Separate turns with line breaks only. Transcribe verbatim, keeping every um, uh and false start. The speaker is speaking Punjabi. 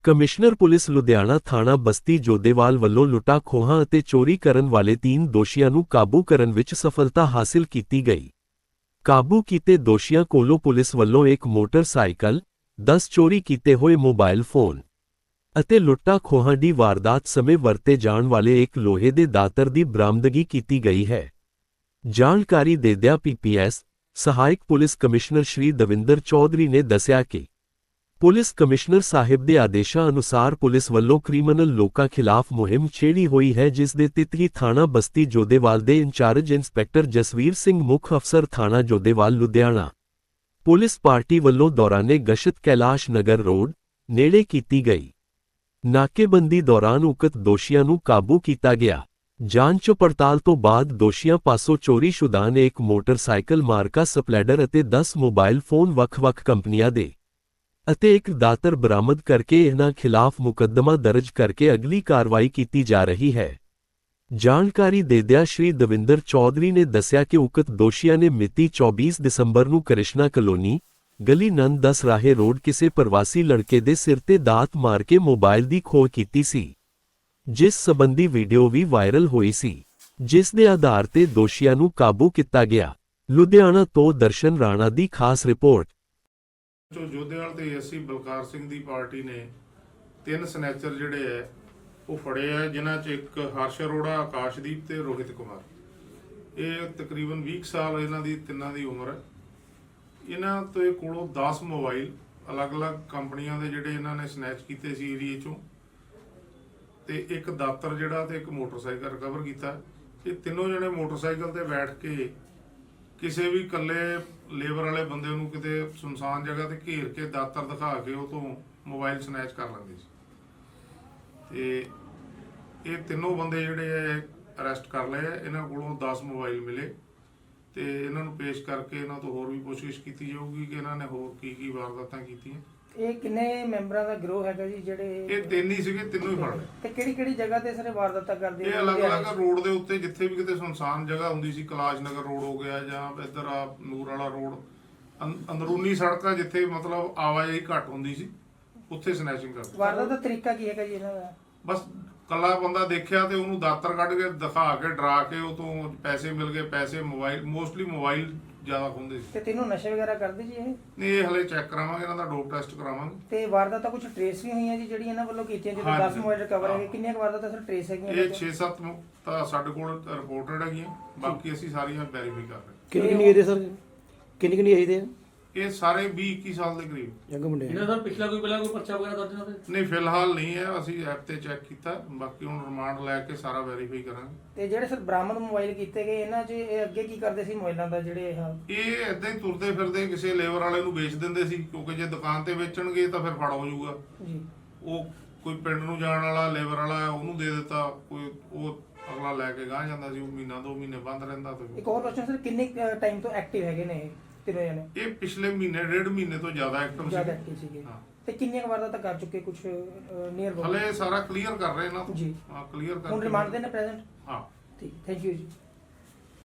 ਕਮਿਸ਼ਨਰ ਪੁਲਿਸ ਲੁਧਿਆਣਾ ਥਾਣਾ ਬਸਤੀ ਜੋਧੇਵਾਲ ਵੱਲੋਂ ਲੁੱਟਾਂ ਖੋਹਾਂ ਅਤੇ ਚੋਰੀ ਕਰਨ ਵਾਲੇ ਤਿੰਨ ਦੋਸ਼ੀਆਂ ਨੂੰ ਕਾਬੂ ਕਰਨ ਵਿੱਚ ਸਫਲਤਾ ਹਾਸਿਲ ਕੀਤੀ ਗਈ। ਕਾਬੂ ਕੀਤੇ ਦੋਸ਼ੀਆਂ ਕੋਲੋਂ ਪੁਲਿਸ ਵੱਲੋਂ ਇੱਕ ਮੋਟਰਸਾਈਕਲ, ਦਸ ਚੋਰੀ ਕੀਤੇ ਹੋਏ ਮੋਬਾਈਲ ਫੋਨ ਅਤੇ ਲੁੱਟਾਂ ਖੋਹਾਂ ਦੀ ਵਾਰਦਾਤ ਸਮੇਂ ਵਰਤੇ ਜਾਣ ਵਾਲੇ ਇੱਕ ਲੋਹੇ ਦੇ ਦਾਤਰ ਦੀ ਬਰਾਮਦਗੀ ਕੀਤੀ ਗਈ ਹੈ। ਜਾਣਕਾਰੀ ਦੇਦਿਆਂ ਪੀਪੀਐਸ ਸਹਾਇਕ ਪੁਲਿਸ ਕਮਿਸ਼ਨਰ ਸ਼੍ਰੀ ਦਵਿੰਦਰ ਚੌਧਰੀ ਨੇ ਦੱਸਿਆ ਕਿ ਪੁਲਿਸ ਕਮਿਸ਼ਨਰ ਸਾਹਿਬ ਦੇ ਆਦੇਸ਼ਾਂ ਅਨੁਸਾਰ ਪੁਲਿਸ ਵੱਲੋਂ ਕ੍ਰਿਮੀਨਲ ਲੋਕਾਂ ਖਿਲਾਫ ਮੁਹਿੰਮ ਛੇੜੀ ਹੋਈ ਹੈ, ਜਿਸ ਦੇ ਤਿਤਲੀ ਥਾਣਾ ਬਸਤੀ ਜੋਧੇਵਾਲ ਦੇ ਇੰਚਾਰਜ ਇੰਸਪੈਕਟਰ ਜਸਵੀਰ ਸਿੰਘ ਮੁੱਖ ਅਫਸਰ ਥਾਣਾ ਜੋਧੇਵਾਲ ਲੁਧਿਆਣਾ ਪੁਲਿਸ ਪਾਰਟੀ ਵੱਲੋਂ ਦੌਰਾਨੇ ਗਸ਼ਤ ਕੈਲਾਸ਼ ਨਗਰ ਰੋਡ ਨੇੜੇ ਕੀਤੀ ਗਈ। ਨਾਕੇਬੰਦੀ ਦੌਰਾਨ ਉਕਤ ਦੋਸ਼ੀਆਂ ਨੂੰ ਕਾਬੂ ਕੀਤਾ ਗਿਆ। ਜਾਂਚ ਪੜਤਾਲ ਤੋਂ ਬਾਅਦ ਦੋਸ਼ੀਆਂ ਪਾਸੋਂ ਚੋਰੀਸ਼ੁਦਾ ਨੇ ਇੱਕ ਮੋਟਰਸਾਈਕਲ ਮਾਰਕਾ ਸਪਲੈਂਡਰ ਅਤੇ ਦਸ ਮੋਬਾਈਲ ਫੋਨ ਵੱਖ-ਵੱਖ ਕੰਪਨੀਆਂ ਦੇ ਅਤੇ ਇੱਕ ਦਾਤਰ ਬਰਾਮਦ ਕਰਕੇ ਇਹਨਾਂ ਖਿਲਾਫ ਮੁਕੱਦਮਾ ਦਰਜ ਕਰਕੇ ਅਗਲੀ ਕਾਰਵਾਈ ਕੀਤੀ ਜਾ ਰਹੀ ਹੈ। ਜਾਣਕਾਰੀ ਦੇਦਿਆਂ ਸ਼੍ਰੀ ਦਵਿੰਦਰ ਚੌਧਰੀ ਨੇ ਦੱਸਿਆ ਕਿ ਉਕਤ ਦੋਸ਼ੀਆਂ ਨੇ ਮਿਤੀ ਚੌਬੀ ਦਸੰਬਰ ਨੂੰ ਕ੍ਰਿਸ਼ਨਾ ਕਲੋਨੀ, ਗਲੀ ਨੰਦ ਦਸ ਰਾਹੇ ਰੋਡ ਕਿਸੇ ਪ੍ਰਵਾਸੀ ਲੜਕੇ ਦੇ ਸਿਰ ਤੇ ਦਾਤ ਮਾਰ ਕੇ ਮੋਬਾਈਲ ਦੀ ਖੋਹ ਕੀਤੀ ਸੀ, ਜਿਸ ਸਬੰਧੀ ਵੀਡੀਓ ਵੀ ਵਾਇਰਲ ਹੋਈ ਸੀ, ਜਿਸ ਦੇ ਆਧਾਰ ਤੇ ਦੋਸ਼ੀਆਂ ਨੂੰ ਕਾਬੂ ਕੀਤਾ ਗਿਆ। ਲੁਧਿਆਣਾ ਤੋਂ ਦਰਸ਼ਨ ਰਾਣਾ ਦੀ ਖਾਸ ਰਿਪੋਰਟ।
ਜੋਧੇਵਾਲ ਤੇ ਐਸਸੀ ਬਲਕਾਰ ਸਿੰਘ ਦੀ ਪਾਰਟੀ ਨੇ ਤਿੰਨ ਸਨੈਚਰ ਜਿਹੜੇ ਹੈ ਉਹ ਫੜੇ ਆ, ਜਿਨ੍ਹਾਂ 'ਚ ਇੱਕ ਹਰਸ਼ ਅਰੋੜਾ, ਆਕਾਸ਼ਦੀਪ ਤੇ ਰੋਹਿਤ ਕੁਮਾਰ। ਇਹ ਤਕਰੀਬਨ ਵੀਹ ਸਾਲ ਇਹਨਾਂ ਦੀ ਤਿੰਨਾਂ ਦੀ ਉਮਰ ਹੈ। ਇਹਨਾਂ ਤੋਂ ਕੋਲੋਂ ਦਸ ਮੋਬਾਈਲ ਅਲੱਗ-ਅਲੱਗ ਕੰਪਨੀਆਂ ਦੇ ਜਿਹੜੇ ਇਹਨਾਂ ਨੇ ਸਨੈਚ ਕੀਤੇ ਸੀ ਏਰੀਏ 'ਚੋਂ, ਤੇ ਇੱਕ ਦਾਤਰ ਜਿਹੜਾ ਤੇ ਇੱਕ ਮੋਟਰਸਾਈਕਲ ਰਿਕਵਰ ਕੀਤਾ। ਇਹ ਤਿੰਨੋਂ ਜਣੇ ਮੋਟਰਸਾਈਕਲ ਤੇ ਬੈਠ ਕੇ ਕਿਸੇ ਵੀ ਇਕੱਲੇ ਲੇਬਰ ਵਾਲੇ ਬੰਦੇ ਨੂੰ ਕਿਤੇ ਸੁਨਸਾਨ ਜਗ੍ਹਾ ਤੇ ਘੇਰ ਕੇ ਦਾਤਰ ਦਿਖਾ ਕੇ ਉਹ ਤੋਂ ਮੋਬਾਈਲ ਸਨੈਚ ਕਰ ਲੈਂਦੇ ਸੀ। ਤੇ ਇਹ ਤਿੰਨੋਂ ਬੰਦੇ ਜਿਹੜੇ ਆ ਅਰੈਸਟ ਕਰ ਲਏ ਆ। ਇਹਨਾਂ ਕੋਲੋਂ ਦਸ ਮੋਬਾਈਲ ਮਿਲੇ ਤੇ ਇਹਨਾਂ ਨੂੰ ਪੇਸ਼ ਕਰਕੇ ਇਹਨਾਂ ਤੋਂ ਹੋਰ ਵੀ ਪੁੱਛਗਿੱਛ ਕੀਤੀ ਜਾਊਗੀ ਕਿ ਇਹਨਾਂ ਨੇ ਹੋਰ ਕੀ ਕੀ ਵਾਰਦਾਤਾਂ ਕੀਤੀਆਂ।
ਇਹ ਕਿੰਨੇ ਮੈਂਬਰਾਂ ਦਾ ਗਿਰੋਹ ਹੈਗਾ ਜੀ ਜਿਹੜੇ?
ਇਹ ਤਿੰਨ ਹੀ ਸੀਗੇ, ਤਿੰਨੋਂ ਹੀ ਫੜ ਲਏ।
ਤੇ ਕਿਹੜੀ ਕਿਹੜੀ ਜਗ੍ਹਾ ਤੇ ਸਾਰੇ ਵਾਰਦਾਤਾਂ ਕਰਦੇ?
ਇਹ ਅਲੱਗ-ਅਲੱਗ ਰੋਡ ਦੇ ਉੱਤੇ, ਜਿੱਥੇ ਵੀ ਕਿਤੇ ਸੁਨਸਾਨ ਜਗ੍ਹਾ ਹੁੰਦੀ ਸੀ, ਕੈਲਾਸ਼ ਨਗਰ ਰੋਡ ਹੋ ਗਿਆ ਜਾਂ ਇੱਧਰ ਆ ਨੂਰ ਵਾਲਾ ਰੋਡ, ਅੰਦਰੂਨੀ ਸੜਕਾਂ ਜਿੱਥੇ ਮਤਲਬ ਆਵਾਜਾਈ ਘੱਟ ਹੁੰਦੀ ਸੀ, ਉੱਥੇ ਸਨੈਚਿੰਗ ਕਰਦੇ।
ਵਾਰਦਾਤ ਦਾ ਤਰੀਕਾ ਕੀ ਹੈਗਾ ਜੀ ਇਹਨਾਂ ਦਾ?
ਬਸ ਕੱਲਾ ਬੰਦਾ ਦੇਖਿਆ ਤੇ ਉਹਨੂੰ ਦਾਤਰ ਕੱਢ ਕੇ ਦਿਖਾ ਕੇ ਡਰਾ ਕੇ ਉਹ ਤੋਂ ਪੈਸੇ ਮਿਲ ਗਏ। ਪੈਸੇ ਮੋਬਾਈਲ, ਮੋਸਟਲੀ ਮੋਬਾਈਲ ਜ਼ਿਆਦਾ ਖੁੰਦੇ ਸੀ।
ਤੇ ਤੈਨੂੰ ਨਸ਼ੇ ਵਗੈਰਾ ਕਰਦੇ ਜੀ ਇਹ?
ਨਹੀਂ, ਇਹ ਹਲੇ ਚੈੱਕ ਕਰਾਵਾਂਗੇ, ਇਹਨਾਂ ਦਾ ਡੋਪ ਟੈਸਟ ਕਰਾਵਾਂਗੇ।
ਤੇ ਵਾਰਦਾਤਾਂ ਕੁਝ ਟ੍ਰੇਸ ਵੀ ਹੋਈਆਂ ਜੀ ਜਿਹੜੀਆਂ ਇਹਨਾਂ ਵੱਲੋਂ ਕੀਤੀਆਂ? ਜਦੋਂ ਦਸ ਮੋਬਾਈਲ ਰਿਕਵਰ ਹੈਗੇ, ਕਿੰਨੀਆਂ ਵਾਰਦਾਤਾਂ ਸਰ ਟ੍ਰੇਸ ਹੈਗੀਆਂ?
ਇਹ ਛੇ ਸੱਤ ਤਾਂ ਸਾਡੇ ਕੋਲ ਰਿਪੋਰਟਡ ਹੈਗੀਆਂ, ਬਾਕੀ ਅਸੀਂ ਸਾਰੀਆਂ ਵੈਰੀਫਾਈ ਕਰ ਰਹੇ।
ਕਿੰਨੀ ਕਿੰਨੀ ਏਜ ਦੇ ਸਰ? ਕਿੰਨੀ ਕਿੰਨੀ ਏਜ ਦੇ?
ਇਹ ਸਾਰੇ ਵੀਹ ਇੱਕੀ ਸਾਲ ਦੇ ਕਰੀਬ
ਯੰਗ ਮੁੰਡੇ।
ਇਹਨਾਂ ਦਾ ਪਿਛਲਾ ਕੋਈ ਪਹਿਲਾਂ ਕੋਈ ਪਰਚਾ ਵਗੈਰਾ ਦਰਜ ਨਾ?
ਨਹੀਂ, ਫਿਲਹਾਲ ਨਹੀਂ ਹੈ। ਅਸੀਂ ਐਪ ਤੇ ਚੈੱਕ ਕੀਤਾ, ਬਾਕੀ ਹੁਣ ਰਿਮਾਂਡ ਲੈ ਕੇ ਸਾਰਾ ਵੈਰੀਫਾਈ ਕਰਾਂਗੇ।
ਤੇ ਜਿਹੜੇ ਸਰ ਬਰਾਮਦ ਮੋਬਾਈਲ ਕੀਤੇ ਗਏ, ਇਹਨਾਂ 'ਚ ਇਹ ਅੱਗੇ ਕੀ ਕਰਦੇ ਸੀ ਮੋਬਾਈਲਾਂ ਦਾ? ਜਿਹੜੇ
ਇਹ ਏਦਾਂ ਹੀ ਤੁਰਦੇ ਫਿਰਦੇ ਕਿਸੇ ਲੇਬਰ ਵਾਲੇ ਨੂੰ ਵੇਚ ਦਿੰਦੇ ਸੀ, ਕਿਉਂਕਿ ਜੇ ਦੁਕਾਨ ਤੇ ਵੇਚਣਗੇ ਤਾਂ ਫਿਰ ਫੜ ਹੋ ਜਾਊਗਾ
ਜੀ।
ਉਹ ਕੋਈ ਪਿੰਡ ਨੂੰ ਜਾਣ ਵਾਲਾ ਲੇਬਰ ਵਾਲਾ ਉਹਨੂੰ ਦੇ ਦਿੱਤਾ, ਕੋਈ ਉਹ ਅਗਲਾ ਲੈ ਕੇ ਗਾਹ ਜਾਂਦਾ ਸੀ। ਉਹ ਮਹੀਨਾ ਦੋ ਮਹੀਨੇ ਬੰਦ ਰਹਿੰਦਾ। ਤੇ
ਇੱਕ ਹੋਰ ਕੁਐਸਚਨ ਸਰ, ਕਿੰਨੇ ਟਾਈਮ ਤੋਂ ਐਕਟਿਵ ਹੈਗੇ ਨੇ ਤਿੰਨੋਂ ਜਣੇ?
ਇਹ ਪਿਛਲੇ ਮਹੀਨੇ ਡੇਢ ਮਹੀਨੇ ਤੋਂ ਜ਼ਿਆਦਾ ਐਕਟਿਵ
ਜ਼ਿਆਦਾ ਐਕਟਿਵ ਸੀਗੇ। ਤੇ ਕਿੰਨੀਆਂ ਵਾਰਦਾਤਾਂ ਕਰ ਚੁੱਕੇ ਕੁਝ ਨੀਅਰ?
ਹਲੇ ਸਾਰਾ ਕਲੀਅਰ ਕਰ ਰਹੇ ਇਹਨਾਂ ਤੋਂ
ਜੀ।
ਹਾਂ, ਕਲੀਅਰ ਕਰ।
ਹੁਣ ਰਿਮਾਂਡ ਦੇ ਨੇ ਪ੍ਰੈਜ਼ੈਂਟ?
ਹਾਂ,
ਠੀਕ, ਥੈਂਕ ਯੂ ਜੀ।